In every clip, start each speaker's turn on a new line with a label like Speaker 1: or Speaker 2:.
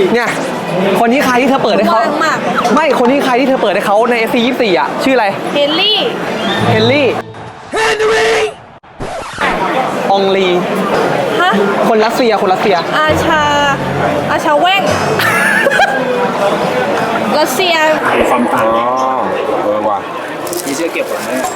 Speaker 1: เนี่ยคนนี้ใครที่เธอเปิดให้เขาไม่คนนี้ใครที่เธอเปิดให้เขาใน FC24 อ่ะชื่ออะไร
Speaker 2: เฮนรี่
Speaker 1: องลี
Speaker 2: ฮะ
Speaker 1: คนรัสเซีย
Speaker 2: อาชาแว่งรัสเซีย
Speaker 3: ความต่าง
Speaker 4: อ๋อว่ะ
Speaker 3: มีเสื้อเก็บหลังเนี่ย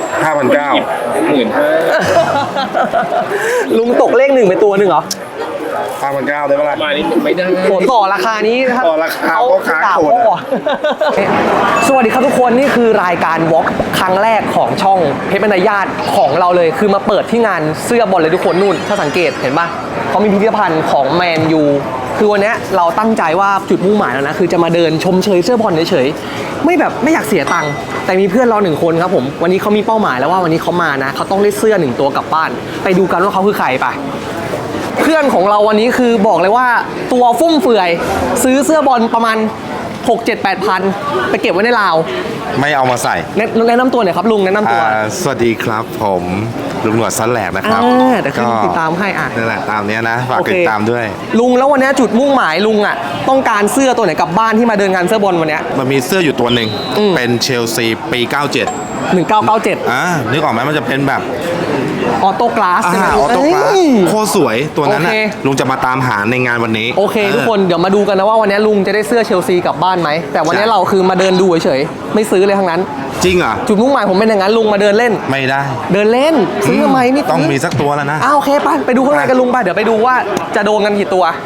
Speaker 4: 5,900
Speaker 1: ลุงตกเลขหนึ่งไปตัวหนึ่งเหรอ
Speaker 4: 5,900ได้ปะล่ะ
Speaker 3: มานี่ไม่ได้
Speaker 1: โหต่อราคานี้ครับ
Speaker 4: ต่อราคาพ่อค้าโหดอะ
Speaker 1: สวัสดีครับทุกคนนี่คือรายการวอล์กครั้งแรกของช่องเพชรบรรยาตของเราเลยคือมาเปิดที่งานเสื้อบอลเลยทุกคนนู่นถ้าสังเกตเห็นปะเขามีพิพิธภัณฑ์ของแมนยูคือวันนี้เราตั้งใจว่าจุดมุ่งหมายแล้วนะคือจะมาเดินชมเชยเสื้อบอลเฉยๆไม่แบบไม่อยากเสียตังค์แต่มีเพื่อนเรา1 คนครับผมวันนี้เขามีเป้าหมายแล้วว่าวันนี้เขามานะเขาต้องได้เสื้อ1 ตัวกลับบ้านไปดูกันว่าเขาคือใครไปเพื่อนของเราวันนี้คือบอกเลยว่าตัวฟุ่มเฟือยซื้อเสื้อบอลประมาณ 6-7-8 พันไปเก็บไว้ในลาว
Speaker 4: ไม่เอามาใส่
Speaker 1: แนะนำตัวหน่อยครับลุงแนะนำตัว
Speaker 4: สวัสดีครับผมลุงหนวดซันแหลกนะครับ
Speaker 1: เดี๋ยวขึ้นติดตามให้
Speaker 4: นั่นแหละตามเนี้ยนะฝากติดตามด้วย
Speaker 1: ลุงแล้ววันนี้จุดมุ่งหมายลุงอ่ะต้องการเสื้อตัวไหนกลับบ้านที่มาเดินงานเสื้อบอลวันนี้
Speaker 4: มันมีเสื้ออยู่ตัวหนึ่งเป็นเชลซีปี 97
Speaker 1: 1997
Speaker 4: นึกออกไหมมันจะเป็นแบบ
Speaker 1: ออโต้กลาสใช่ไหม
Speaker 4: ออโต้กลาสโคตรสวยตัวนั้นน่ะ
Speaker 1: โอเค
Speaker 4: ลุงจะมาตามหาในงานวันนี้
Speaker 1: โอเคทุกคนเดี๋ยวมาดูกันนะว่าวันนี้ลุงจะได้เสื้อเชลซีกลับบ้านไหมแต่วันนี้เราคือมาเดินดูเฉยๆไม่ซื้อเลยทั้งนั้น
Speaker 4: จริงเหรอ
Speaker 1: จุดมุ่งหมายผมเป็นอย่างนั้นลุงมาเดินเล่น
Speaker 4: ไม่ได้
Speaker 1: เดินเล่นซื้อทำไมไม่ซื้
Speaker 4: ต้องมีสักตัวแล้วนะ
Speaker 1: โอเคไปดูข้างในกันลุงไปเดี๋ยวไปดูว่าจะโดนกันกี่ตัว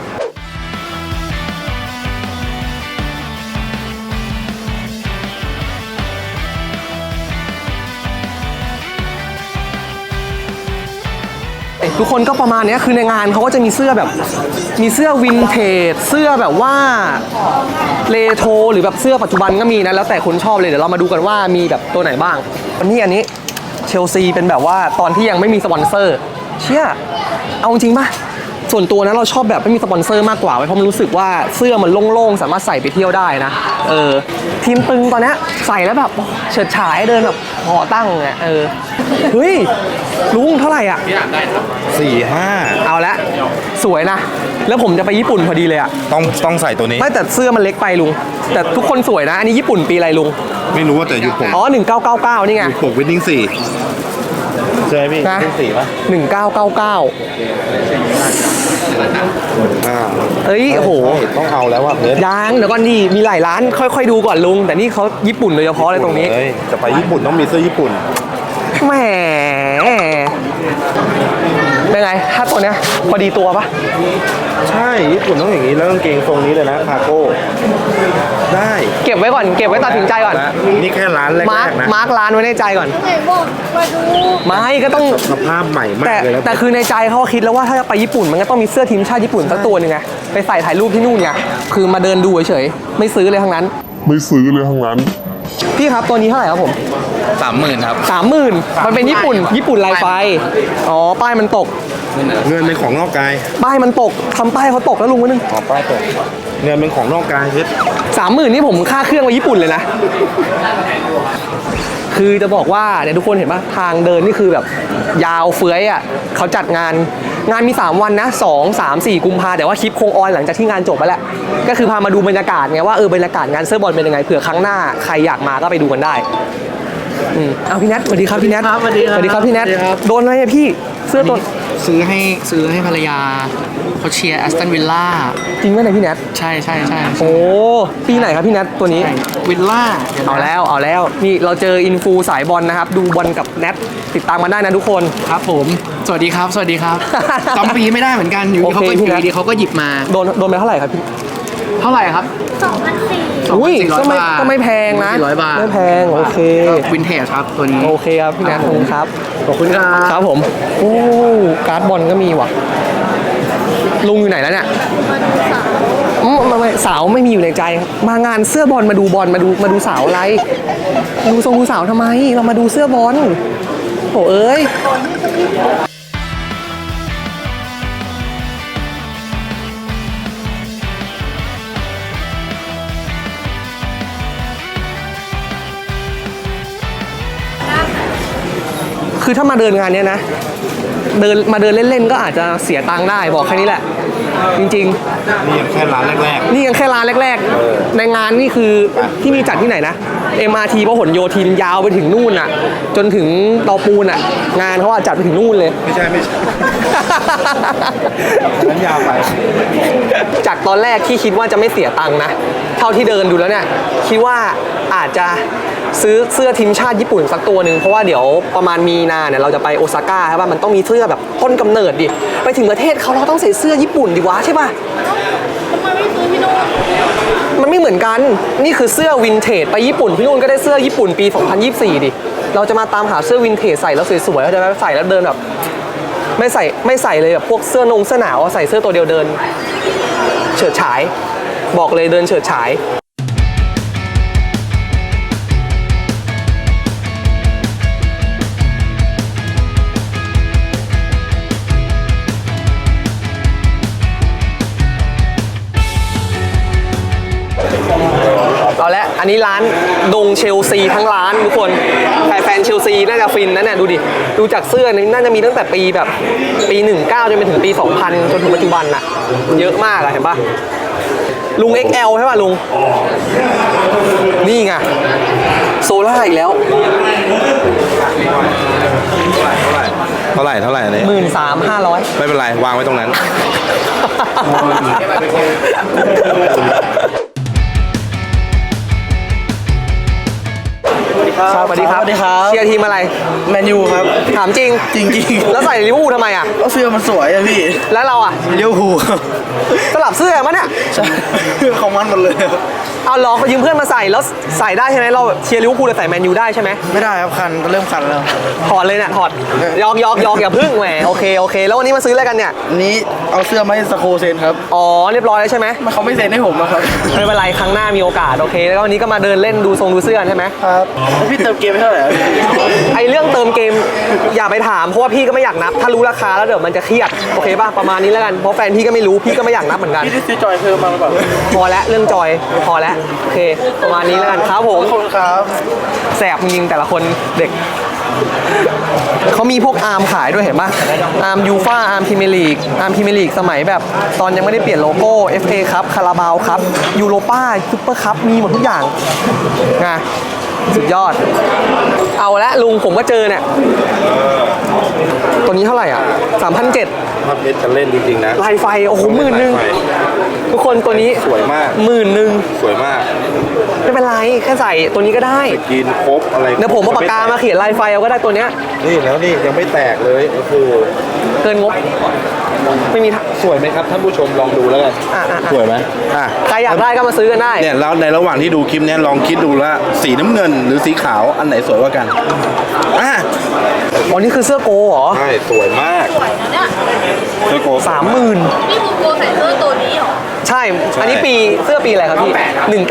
Speaker 1: ทุกคนก็ประมาณนี้คือในงานเขาก็จะมีเสื้อแบบมีเสื้อวินเทจเสื้อแบบว่าเรโทรหรือแบบเสื้อปัจจุบันก็มีนะแล้วแต่คนชอบเลยเดี๋ยวเรามาดูกันว่ามีแบบตัวไหนบ้างอันนี้เชลซีเป็นแบบว่าตอนที่ยังไม่มีสปอนเซอร์เชี่ยเอาจริงป่ะส่วนตัวนะเราชอบแบบไม่มีสปอนเซอร์มากกว่าเพราะมันรู้สึกว่าเสื้อมันโล่งๆสามารถใส่ไปเที่ยวได้นะทีมตึงตอนนี้ใส่แล้วแบบเฉิดฉายเดินแบบห่อตั้งเนี่ยเฮ้ยลุงเท่าไหร่อ่ะ
Speaker 4: 4-5
Speaker 1: เอาละสวยนะแล้วผมจะไปญี่ปุ่นพอดีเลยอ่ะ
Speaker 4: ต้องใส่ตัวนี้
Speaker 1: ไม่แต่เสื้อมันเล็กไปลุงแต่ทุกคนสวยนะอันนี้ญี่ปุ่นปีอะไรลุง
Speaker 4: ไม่รู้ว่าแต่ยุคผม
Speaker 1: อ๋อ1999นี่ไง
Speaker 4: ยุคผมวินนิ่ง4ใช่ไหมพี่
Speaker 1: นะ
Speaker 4: วินนิ่ง4ป่ะ
Speaker 1: 1999เอ้ยโอ้โห
Speaker 4: ต้องเอาแล้วว่ะเพชร
Speaker 1: ยังเดี๋ยวก่อนดีมีหลายร้านค่อยๆดูก่อนลุงแต่นี่เขาญี่ปุ่นโดยเฉพาะเลยตรงนี้
Speaker 4: จะไปญี่ปุ่นต้องมีเสื้อญี่ปุ่น
Speaker 1: แหมเป็นไงถ้าตัวเนี้ยพอดีตัวปะ
Speaker 4: ใช่ญี่ปุ่นต้องอย่างนี้แล้วกางเกงทรงนี้เลยนะคาโก้ได้
Speaker 1: เก็บไว้ก่อนเก็บไว้ตัดสินใจก่อน
Speaker 4: นี่แค่ร้านแรกๆนะ
Speaker 1: มาร์กร้านไว้ในใจก่อน
Speaker 2: ไหนบอกมาดู
Speaker 1: ไม่ก็ต้อง
Speaker 4: สภาพใหม่มากเลย
Speaker 1: แต่คือในใจเขาคิดแล้วว่าถ้าจะไปญี่ปุ่นมันก็ต้องมีเสื้อทีมชาติญี่ปุ่นสักตัวหนึ่งไงไปใส่ถ่ายรูปที่นู่นไงคือมาเดินดูเฉยๆไม่ซื้อเลยทั้งนั้นพี่ครับตัวนี้เท่าไหร่ครับผม
Speaker 3: 30,000 ครับ
Speaker 1: 30,000มันเป็นญี่ปุ่นลายไฟอ๋อป้ายมันตก
Speaker 4: เงินเป็นของนอกกาย
Speaker 1: ป้ายมันตกทำป้ายเขาตกแล้วลุงวะนึง
Speaker 4: อ๋อป้ายตกเงินเป็นของนอกกายเพชร
Speaker 1: 30,000นี่ผมค่าเครื่องไปญี่ปุ่นเลยนะคือจะบอกว่าเนี่ยทุกคนเห็นป่ะทางเดินนี่คือแบบยาวเฟื้อยอ่ะเขาจัดงานมี3วันนะ2 3 4กุมภาแต่ว่าคลิปคงออนหลังจากที่งานจบไปแล้วก็คือพามาดูบรรยากาศไงว่าบรรยากาศงานเสื้อบอลเป็นยังไงเผื่อครั้งหน้าใครอยากมาก็ไปดูกันได้เอาพี่แนทสวัสดีครับพี่แนท
Speaker 5: สวัสดีครับ
Speaker 1: พี่แนทโดนอะไรอะพี่เสื้อตัว
Speaker 5: ซื้อให้ภรรยาเขาเชียร์แอสตันวิลล่า
Speaker 1: จริงไหมเนี่ยพี่แนท
Speaker 5: ใช่
Speaker 1: โอ้ปีไหนครับพี่แนทตัวนี้
Speaker 5: วิลล่า
Speaker 1: เอาแล้วนี่เราเจออินฟูสายบอลนะครับดูบอลกับแนทติดตามมาได้นะทุกคน
Speaker 5: ครับผมสวัสดีครับจำปีไม่ได้เหมือนกันอยู่ดีเขาก็ดีเขาก็หยิบมา
Speaker 1: โดนไปเท่าไหร่ครับพี่
Speaker 5: เท่าไหร่ครับ
Speaker 1: 2,400อุ้ยก็ไม่แพงนะ
Speaker 5: 400 บาท
Speaker 1: ไม่แพงโอเค
Speaker 5: วินเทจครับตัวนี้
Speaker 1: โอเคครับพี่แนทขอบคุณครับครับผมโอ้การ์ดบอลก็มีว่ะลุงอยู่ไหนแล้วเนี่ยสาวไม่มีอยู่ในใจมางานเสื้อบอลมาดูบอลมาดูสาวอะไรดูสาวทำไมเรามาดูเสื้อบอลโอ้เอ้ยคือถ้ามาเดินงานเนี้ยนะมาเดินเล่นๆก็อาจจะเสียตังค์ได้บอกแค่นี้แหละจริง
Speaker 4: นี่ยังแค่ร้านแรก
Speaker 1: ๆ นี่ยังแค่ร้านแรกๆ ในงานนี่คือที่มีจัดที่ไหนนะ MRT พหลโยธินยาวไปถึงนู่นอ่ะ จนถึงเตาปูนอ่ะ งานเขาอาจจัดไปถึงนู่นเลย
Speaker 4: ๆ ไม่ใช่นั้นยาวไป
Speaker 1: จากตอนแรกที่คิดว่าจะไม่เสียตังค์นะ เท่าที่เดินดูแล้วเนี่ย คิดว่าอาจจะซื้อเสื้อทีมชาติญี่ปุ่นสักตัวหนึ่งเพราะว่าเดี๋ยวประมาณมีนาเนี่ยเราจะไปโอซาก้าใช่ป่ะมันต้องมีเสื้อแบบต้นกำเนิดดิไปถึงประเทศเขาเราต้องใส่เสื้อญี่ปุ่นดิวะใช่ป่ะ
Speaker 2: ทำไมไม่ซื้อพี่โน้ต
Speaker 1: มันไม่เหมือนกันนี่คือเสื้อวินเทจไปญี่ปุ่นพี่นุ่นก็ได้เสื้อญี่ปุ่นปี 2024 ดิเราจะมาตามหาเสื้อวินเทจใส่แล้วสวยๆเราจะใส่แล้วเดินแบบไม่ใส่เลยแบบพวกเสื้อหนาวใส่เสื้อตัวเดียวเดินเฉิดฉายบอกเลยเดินเฉิดฉายเอาละอันนี้ร้านดงเชลซีทั้งร้านทุกคนแฟนเชลซีน่าจะฟินนะเนี่ยดูดิดูจากเสื้อนี่น่าจะมีตั้งแต่ปีแบบปี 19 จนไปถึงปี 2000 จนถึงปัจจุบันน่ะเยอะมากอะเห็นปะลุง XL ใช่ป่ะลุง นี่ไงโซล่าอีกแล้ว
Speaker 4: เท่าไหร่อันนี้
Speaker 1: 13,500
Speaker 4: ไม่เป็นไร วางไว้ตรงนั้น
Speaker 1: สวัสดีครับเชียร์ทีมอะไร
Speaker 5: แมนยูครับ
Speaker 1: ถามจริง
Speaker 5: จริงๆ
Speaker 1: แล้วใส่ลิเวอร์พูลทำไมอ่ะ
Speaker 5: ก็เสื้อมันสวยอะพี่
Speaker 1: แล้วเราอ่ะ
Speaker 5: เลี้ยวหูครับ
Speaker 1: สลับเสื้อมั้ยเนี่ย
Speaker 5: ใช่ของมันหมดเลยครับ
Speaker 1: เอาลองยืมเพื่อนมาใส่แล้วใส่ได้ใช่ไหมเราเชียร์ลิเวอร์พูลแต่ใส่แมนยูได้ใช่ไหม
Speaker 5: ไม่ได้ครับคันเริ่มคันแล้ว
Speaker 1: ถอดเลยเนี่ยถอดยอกอย่าพึ่งแหมโอเคแล้ววันนี้มาซื้ออะไรกันเนี่ย
Speaker 5: อันนี้เอาเสื้อมาให้สโคเซนครับ
Speaker 1: อ๋อเรียบร้อยแล้วใช่ไหม
Speaker 5: เขาไม่เซ็นให้ผมนะครับ
Speaker 1: ไม่เป็นไรครั้งหน้ามีโอกาสโอเคแล้ววันนี้ก็มาเดินเล่นดูเสื้อใช่ไหม
Speaker 5: ครับแล้วพี่เติมเกมไปเท่าไหร่ครับ
Speaker 1: ไอเรื่องเติมเกมอย่าไปถามเพราะว่าพี่ก็ไม่อยากนับถ้ารู้ราคาแล้วเดี๋ยวมันจะเครียดโอเคป่ะประมาณนี้แล้วกันเพราะแฟนพี่ก็ไม่รู้พี่ก็ไม่อยากนับเหมือนกัน
Speaker 5: พี่ได้ซื้อจอยเพิ่มมาหรือเปล่า
Speaker 1: พอแล้วเรื่องจอยพอแล้วโอเคประมาณนี้แล้วกันครับผม
Speaker 5: ขอบคุณครับ
Speaker 1: แสบจริงๆแต่ละคนเด็กเขามีพวกอาร์มขายด้วยเห็นป่ะอาร์มยูฟ่าอาร์มพรีเมียร์ลีกอาร์มพรีเมียร์ลีกสมัยแบบตอนยังไม่ได้เปลี่ยนโลโก้ FA ครับคาราบาวครับยูโรป้าซุปเปอร์คัพมีหมดทุกอย่างไงสุดยอดเอาละลุงผมก็เจอเนี่ยตัวนี้เท่าไหร่อ่ะ 3,700
Speaker 4: ภาพเพชรจะเล่นจริงๆนะ
Speaker 1: ลายไฟโอ้โห10,000 ทุกคนตัวนี้
Speaker 4: สวยมาก
Speaker 1: 10,000
Speaker 4: สวยมาก
Speaker 1: ไม่เป็นไรแค่ใส่ตัวนี้ก็ได้
Speaker 4: กินครบอะไร
Speaker 1: เดี๋ยวผมเอาปากกามาเขียนลายไฟเอาก็ได้ตัวเนี้ย
Speaker 4: นี่แล้วนี่ยังไม่แตกเลยโอ้โห
Speaker 1: เกินงบไม่มีทาง
Speaker 4: สวยไหมครับท่านผู้ชมลองดูแล้วกัน
Speaker 1: อ่ะ
Speaker 4: สวยไหมอ่ะ
Speaker 1: ใครอยากได้ก็มาซื้อกันได้
Speaker 4: เนี่ยแล้วในระหว่างที่ดูคลิปเนี้ยลองคิดดูว่าสีน้ำเงินหรือสีขาวอันไหนสวยกว่ากันอ่ะ
Speaker 1: อ๋อนี่คือเสื้อโกเหรอ
Speaker 4: ใช่สวยมาก
Speaker 2: สวยนะเนี่ย
Speaker 4: เสื้อโก
Speaker 1: 30,000
Speaker 2: นี่คือโกใส่เสื้อตัวนี้เหรอ
Speaker 1: ใช่ อันนี้ปีเสื้อปีอะไรครับพี่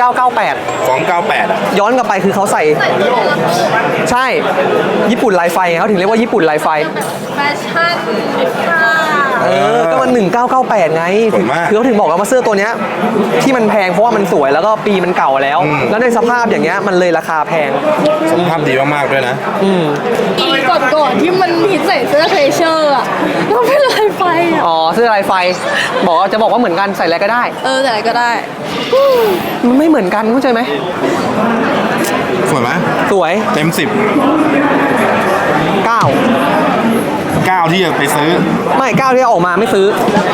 Speaker 1: 1998
Speaker 4: 298อ่ะ
Speaker 1: ย้อนกลับไปคือเขาใส่
Speaker 2: ใส่เสื้อตัวนี้
Speaker 1: ใช่ญี่ปุ่นลายไฟเขาถึงเรียกว่าญี่ปุ่นลายไฟ
Speaker 2: แฟชั่นเอฟค่ะ
Speaker 1: ก็มัน1998ไงคือเขาถึงบอกว่าเสื้อตัวเนี้ยที่มันแพงเพราะว่ามันสวยแล้วก็ปีมันเก่าแล้ว แล้วในสภาพอย่างเงี้ยมันเลยราคาแพง
Speaker 4: สภาพดีมากๆด้วยนะ
Speaker 2: ปีก่อนๆที่มันฮิตใส่เสื้อเทเชอร์อะแล้วเป็นลายไฟอะ
Speaker 1: อ๋อเสื้อลายไฟจะบอกว่าเหมือนกันใส่อะไรก็ได้
Speaker 2: แต่อะไรก็ได้
Speaker 1: มันไม่เหมือนกันเข้าใจไหม
Speaker 4: สวยไหม
Speaker 1: สวย
Speaker 4: เต็ม 10
Speaker 1: 9
Speaker 4: 9ที่จะไปซื้อ
Speaker 1: ไม่9ที่ออกมาไม่ซื้อ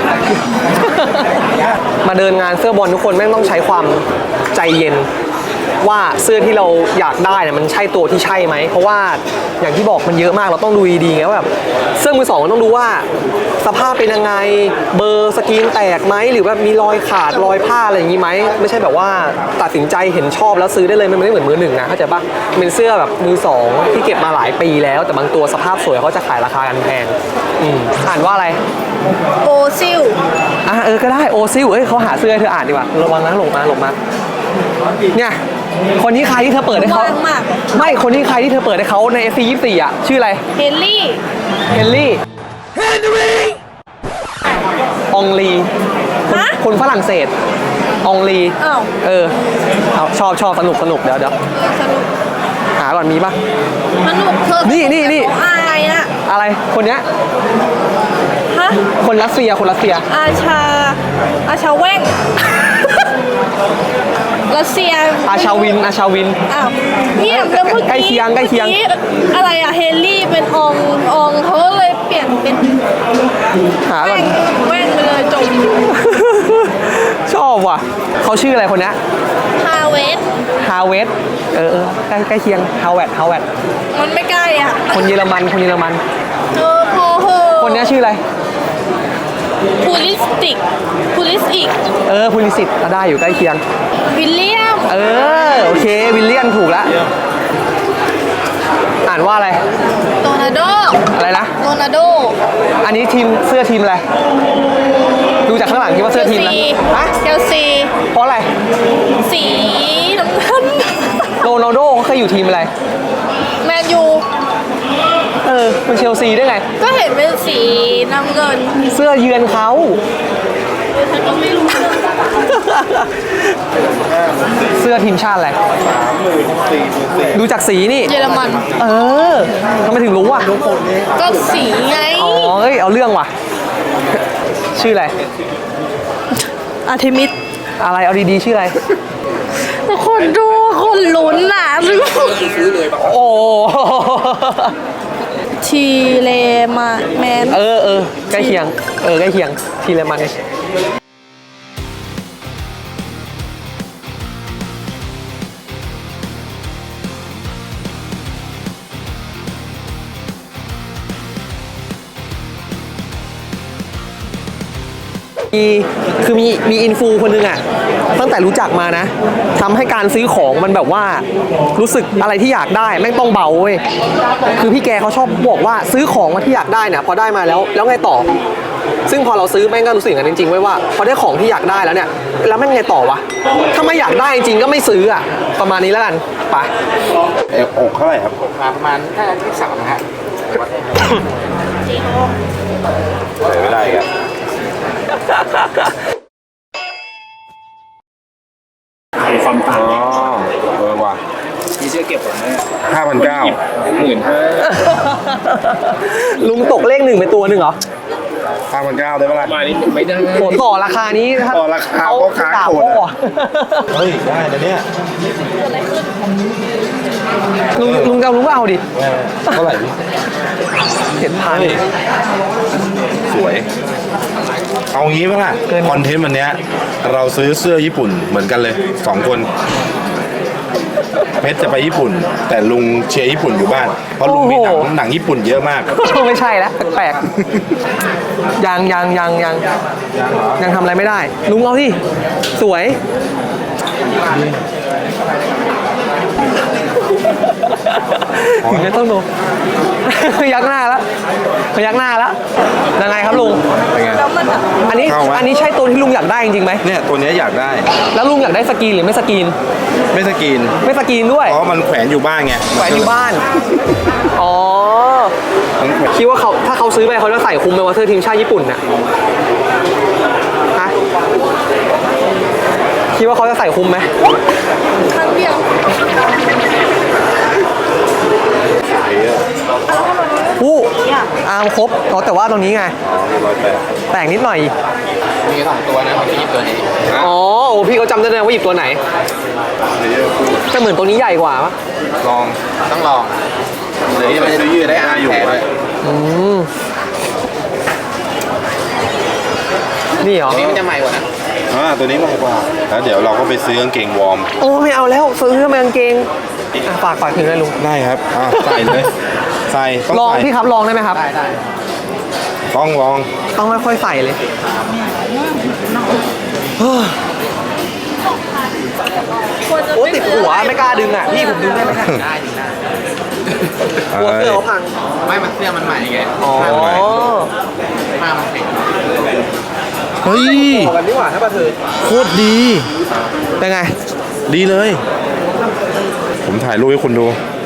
Speaker 1: มาเดินงานเสื้อบอลทุกคนแม่งต้องใช้ความใจเย็น ว่าเสื้อที่เราอยากได้เนี่ยมันใช่ตัวที่ใช่ไหมเพราะว่าอย่างที่บอกมันเยอะมากเราต้องดูดีๆไงว่าแบบเสื้อมือสองมันต้องดูว่าสภาพเป็นยังไงเบอร์สกรีนแตกไหมหรือแบบมีรอยขาดรอยผ้าอะไรอย่างนี้ไหมไม่ใช่แบบว่าตัดสินใจเห็นชอบแล้วซื้อได้เลยมันไม่ได้เหมือนมือหนึ่งนะเข้าใจปะเป็นเสื้อแบบมือสองที่เก็บมาหลายปีแล้วแต่บางตัวสภาพสวยเขาจะขายราคากันแพงอ่านว่าอะไร
Speaker 2: โอซิล
Speaker 1: ก็ได้โอซิลเขาหาเสื้อให้เธออ่านดีกว่าระวังนะหลงมาเนี่ยคนนี้ใครที่เธอเปิดให้เขา
Speaker 2: ว่างมาก
Speaker 1: ไม่คนนี้ใครที่เธอเปิดให้เขาใน FC24 อ่ะชื่ออะไร
Speaker 2: เฮนรี่
Speaker 1: เฮนรี่องลี
Speaker 2: ฮะ
Speaker 1: คนฝรั่งเศสองลี
Speaker 2: อ้าว
Speaker 1: เอาชอบสนุกเดี๋ยว
Speaker 2: สนุก
Speaker 1: หาก่อนมีปะ
Speaker 2: สนุกเธอ
Speaker 1: นี่
Speaker 2: อายอะ
Speaker 1: อะไรคนเนี้ย
Speaker 2: ฮะะ
Speaker 1: คนรัสเซียคนรัสเซีย
Speaker 2: อาชาแว่งรัสเซีย
Speaker 1: อาชาวิน
Speaker 2: อ้าวเนี่ยแล้วเมื่อ
Speaker 1: ใกล้เคียง
Speaker 2: กี้อะไรอะเฮนรี่เป็นองเขาก็เลยเปลี่ยนเป็น
Speaker 1: หาก่อน
Speaker 2: แว่งไปเลยจบ
Speaker 1: ชอบว่ะเขาชื่ออะไรคนเนี้ย
Speaker 2: ฮาเวส
Speaker 1: ฮาเวสใกล้เคียงฮาวเวด
Speaker 2: มันไม่ใกล้อ่ะ
Speaker 1: คนเยอรมัน
Speaker 2: พอเหอะ
Speaker 1: คนเนี้ยชื่ออะไร
Speaker 2: พูลิสติกพูลิสอีก
Speaker 1: พูลิสิตได้อยู่ใกล้เคียง
Speaker 2: วิลเลียม
Speaker 1: โอเค วิลเลียนถูกแล้วอ่านว่าอะไร
Speaker 2: โรนัลโด
Speaker 1: อะไรนะ
Speaker 2: โรนัลโด
Speaker 1: อันนี้เสื้อทีมอะไร ดูจากข้างหลังคิดว่าเสื้อทีมอะไรฮะ
Speaker 2: เชลซี
Speaker 1: เพราะอะไร
Speaker 2: สีน้ำเงิน
Speaker 1: โรนัลโดเขาเคยอยู่ทีมอะไร
Speaker 2: แมนยู
Speaker 1: เป็นเชลซีได้ไง
Speaker 2: ก็เห็นเป็นสีน้ำเงิน
Speaker 1: เสื้อเยือนเขา
Speaker 2: ฉันก็ไม่รู้เรื่อง
Speaker 1: เสื้อทีมชาติอะไร ดูจากสีนี่
Speaker 2: เยอรมัน
Speaker 1: ทำไมถึงรู้อ่ะ
Speaker 2: ก็สีไง
Speaker 1: เอาเรื่องว่ะ ชื่ออะไร
Speaker 2: อาร์เทมิส
Speaker 1: อะไร เอาดีๆ ชื่ออะไร
Speaker 2: คนดูคนลุ้นน่ะ
Speaker 1: โอ้
Speaker 2: ทีเลมาแมน
Speaker 1: ใกล้เคียง ใกล้เคียง ทีเลมัน คือมีอินฟูคนหนึงอ่ะตั้งแต่รู้จักมานะทำให้การซื้อของมันแบบว่ารู้สึกอะไรที่อยากได้แม่งต้องเบาเว้ยคือพี่แกเขาชอบบอกว่าซื้อของมาที่อยากได้เนี่ยพอได้มาแล้วไงต่อ ซึ่งพอเราซื้อแม่งก็รู้สึกกันจริงๆไว้ว่าพอได้ของที่อยากได้แล้วเนี่ยแล้วแม่งไงต่อวะถ้าไม่อยากได้จริงก็ไม่ซื้ออ่ะประมาณนี้แล้วกันไป
Speaker 4: อกเท่าไหร่ครับ
Speaker 5: ประมาณน่าจะที่3ฮะ
Speaker 4: ใส่ไม่ได้ครับ
Speaker 3: ความต่าง
Speaker 4: อ๋อว่ะ
Speaker 3: มีเสื้อเก็บผมเนี่ย
Speaker 4: 5,900
Speaker 1: ลุงตกเลขหนึ่งไปตัวหนึ่งเหรอ
Speaker 4: 5,900ได้ปะล่ะ
Speaker 3: มานี่ไม่ได้
Speaker 1: โหต่อราคานี้
Speaker 4: ต่อราคาพ่อค้า
Speaker 1: ด่า
Speaker 4: โหด
Speaker 1: พ่อ
Speaker 4: อะ เฮ้ย ได้นะเนี่ย
Speaker 1: ลุงจะเอาลุงก็เอาดิ
Speaker 4: เท่าไหร่พี่
Speaker 1: 7,000
Speaker 4: เฮ้ยสวย เอางี้ปะล่ะ
Speaker 1: เกิน
Speaker 4: คอนเทนต์วันเนี้ยเราซื้อเสื้อญี่ปุ่นเหมือนกันเลย 2 คนเพชรจะไปญี่ปุ่น แต่ลุงเชียร์ญี่ปุ่นอยู่บ้าน เพราะลุงมีหนังญี่ปุ่นเยอะมาก
Speaker 1: ไม่ใช่แล้วแปลกๆยังทำอะไรไม่ได้ ลุงเอาที่สวยถึงจะต้องดู ยักหน้าแล้วยังไงครับลุง
Speaker 2: แล้วมันอะ
Speaker 1: อันนี้ใช่ตัวที่ลุงอยากได้จริงๆไหม
Speaker 4: เนี่ยตัวเนี้ยอยากได้
Speaker 1: แล้วลุงอยากได้สกรีนหรือไม่สกรีน
Speaker 4: ไม่สกรีน
Speaker 1: ไม่สกรีนด้วย
Speaker 4: เพราะมันแขวนอยู่บ้านไง
Speaker 1: แขวนอยู่บ้าน อ๋อ
Speaker 4: มันแขวน
Speaker 1: คิดว่าถ้าเขาซื้อไปเขาจะใส่คุมเป็นวอเตอร์ทีมชาติญี่ปุ่นน่ะฮะคิดว่าเขาจะใส่คุมไหม
Speaker 2: ครั้งเดียว
Speaker 1: อู้อาร์มครบแต่ว่าตรงนี้ไง แต่งนิดหน่อย
Speaker 5: มี2ตัวนะพี่ตัวนี้
Speaker 1: อ๋อโอ้พี่เขาจำได้เลยว่าหยิบตัวไหนแต่เหมือนตัวนี้ใหญ่กว่าปะ
Speaker 5: ต้องลองหรือมันจะยืดได้อ่านแผลด้วย
Speaker 1: นี่เหรอ
Speaker 5: อันนี้มันจะใหม่กว่านะ
Speaker 4: ตัวนี้มากกว่า แล้วเดี๋ยวเราก็ไปซื้อกางเกงวอร์ม
Speaker 1: โอ้ไม่เอาแล้วซื้อมากางเกงฝากถึงเลยลุง
Speaker 4: ได้ครับใส่เลย ใส่ต้อง
Speaker 1: ลอง
Speaker 4: ใส่
Speaker 1: พี่ครับลองได้ไหมครับ
Speaker 5: ได้
Speaker 4: ต้องลอง
Speaker 1: ต้องค่อยๆใส่เลยโอ้ติดหัวไม่กล้าดึงอ่ะพี่ผมดึงได้ไหมครับ
Speaker 5: ได้ถึงได้
Speaker 1: กลัวเสื้อเขาพัง
Speaker 5: ไม่มันเสื้อมันใหม่ไง
Speaker 1: อ๋อ
Speaker 5: ผ้ามันแข็ง
Speaker 4: เฮ้ย
Speaker 1: ต่อกันดีกว่าถ้าปะเธอ
Speaker 4: โคตรดี
Speaker 1: เป็นไง
Speaker 4: ดีเลย ผมถ่ายรูปให้คุณดู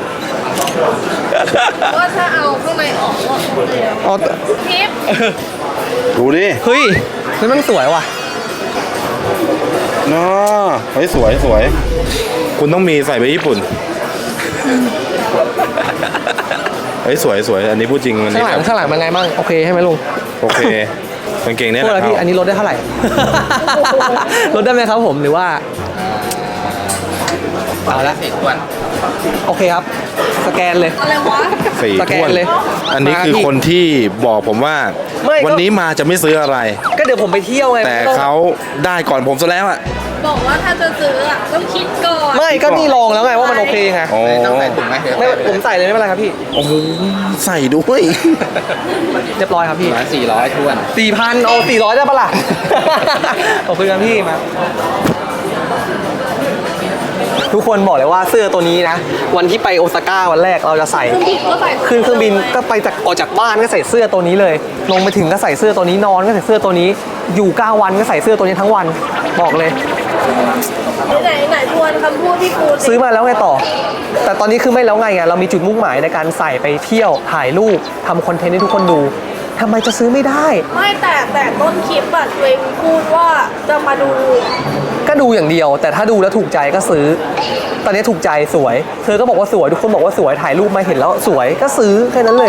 Speaker 2: ว่าถ้าเอาข้างในออกก็
Speaker 1: อ๋อ
Speaker 2: ทิป
Speaker 4: ดูดิ
Speaker 1: เฮ้ยนี่มันสวยว่ะ
Speaker 4: น่าเฮ้ยสวยสวย คุณต้องมีใส่ไปญี่ปุ่น ไปเฮ้ยสวยสวยอันนี้พูดจริงอัน
Speaker 1: ข้า
Speaker 4: นี้
Speaker 1: งหลั
Speaker 4: แบ
Speaker 1: ง
Speaker 4: บ
Speaker 1: ข้างหลังเป็นไงบ้างโอเคใช่ไหมลุง
Speaker 4: โอเคกางเกงเนี่ย
Speaker 1: โทษ
Speaker 4: แหละ
Speaker 1: นะพี่อันนี้ลดได้เท่าไหร่ ลดได้ไหมครับผมหรือว่าเอาละโอเคครับสแกนเลย
Speaker 2: อะไรวะ
Speaker 4: สี่
Speaker 1: สแกน
Speaker 4: ถ้วน
Speaker 1: เลย
Speaker 4: อันนี้
Speaker 1: มา
Speaker 4: คือ
Speaker 1: พี่
Speaker 4: คนที่บอกผมว่า
Speaker 1: ไม่ก็
Speaker 4: วันนี้มาจะไม่ซื้ออะไร
Speaker 1: ก็เดี๋ยวผมไปเที่ยวไง
Speaker 4: แต่เขาได้ก่อนผมซะแล้วอ่ะ
Speaker 2: บอกว่าถ้าจะซื้ออ่ะต้องคิดก่อน
Speaker 1: ไม่ก็นี่ลองแล้วไงว่ามันโอเคไง
Speaker 4: อ๋อ
Speaker 1: ไม่ผมใส่เลยไม่เป็นไรครับพี่
Speaker 4: โอ้โหใส่ด้วย
Speaker 1: เรียบร้อยครับพี่
Speaker 5: 400ทวน
Speaker 1: 4,000เอา400ได้ปะล่ะ ขอบคุณครับพี่มาทุกคนบอกเลยว่าเสื้อตัวนี้นะ วันที่ไปโอซาก้าวันแรกเราจะใส่
Speaker 2: ก็ใส่
Speaker 1: ขึ้นเครื่องบินก็ไปจากออกจากบ้านก็ใส่เสื้อตัวนี้เลย ลงไปถึงก็ใส่เสื้อตัวนี้นอนก็ใส่เสื้อตัวนี้อยู่9วันก็ใส่เสื้อตัวนี้ทั้งวันบอกเลย
Speaker 2: ไหนทวนคำพูดพี่ปูสิ
Speaker 1: ซื้อมาแล้วไงต่อ แต่ตอนนี้คือไม่แล้วไงเรามีจุดมุ่งหมายในการใส่ไปเที่ยวถ่ายรูปทำคอนเทนต์ให้ทุกคนดูทำไมจะซื้อไม่ได้
Speaker 2: ไม่แต่ต้นคลิปอะตัวเองพูดว่าจะมาดู
Speaker 1: ก็ดูอย่างเดียว แต่ถ้าดูแล้วถูกใจก็ซื้อ ตอนนี้ถูกใจสวย เธอก็บอกว่าสวยทุกคนบอกว่าสวยถ่ายรูปมาเห็นแล้วสวยก็ซื้อแค่นั้นเลย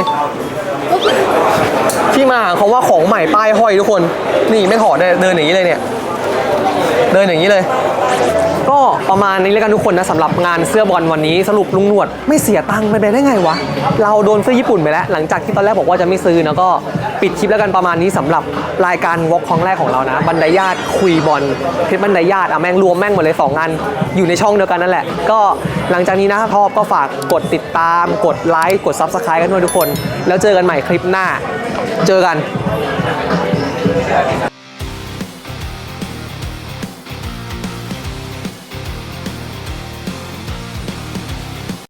Speaker 1: ที่มาของว่าของใหม่ป้ายห้อยทุกคน นี่ไม่ถอดเลยเดินอย่างนี้เลยเนี่ย เดินอย่างนี้เลย ก็ประมาณนี้แล้วกันทุกคนนะสำหรับงานเสื้อบอลวันนี้สรุปลุงหนวดไม่เสียตังค์ไปได้ไงวะเราโดนเสื้อญี่ปุ่นไปแล้วหลังจากที่ตอนแรกบอกว่าจะไม่ซื้อนะก็ปิดคลิปแล้วกันประมาณนี้สำหรับรายการวอล์กครั้งแรกของเรานะบรรดาญาติคุยบอลเพชรบรรดาญาติแม่งรวมแม่งหมดเลย2งานอยู่ในช่องเดียวกันนั่นแหละก็หลังจากนี้นะถ้าชอบก็ฝากกดติดตามกดไลค์กด Subscribe กันด้วยทุกคนแล้วเจอกันใหม่คลิปหน้าเจอกัน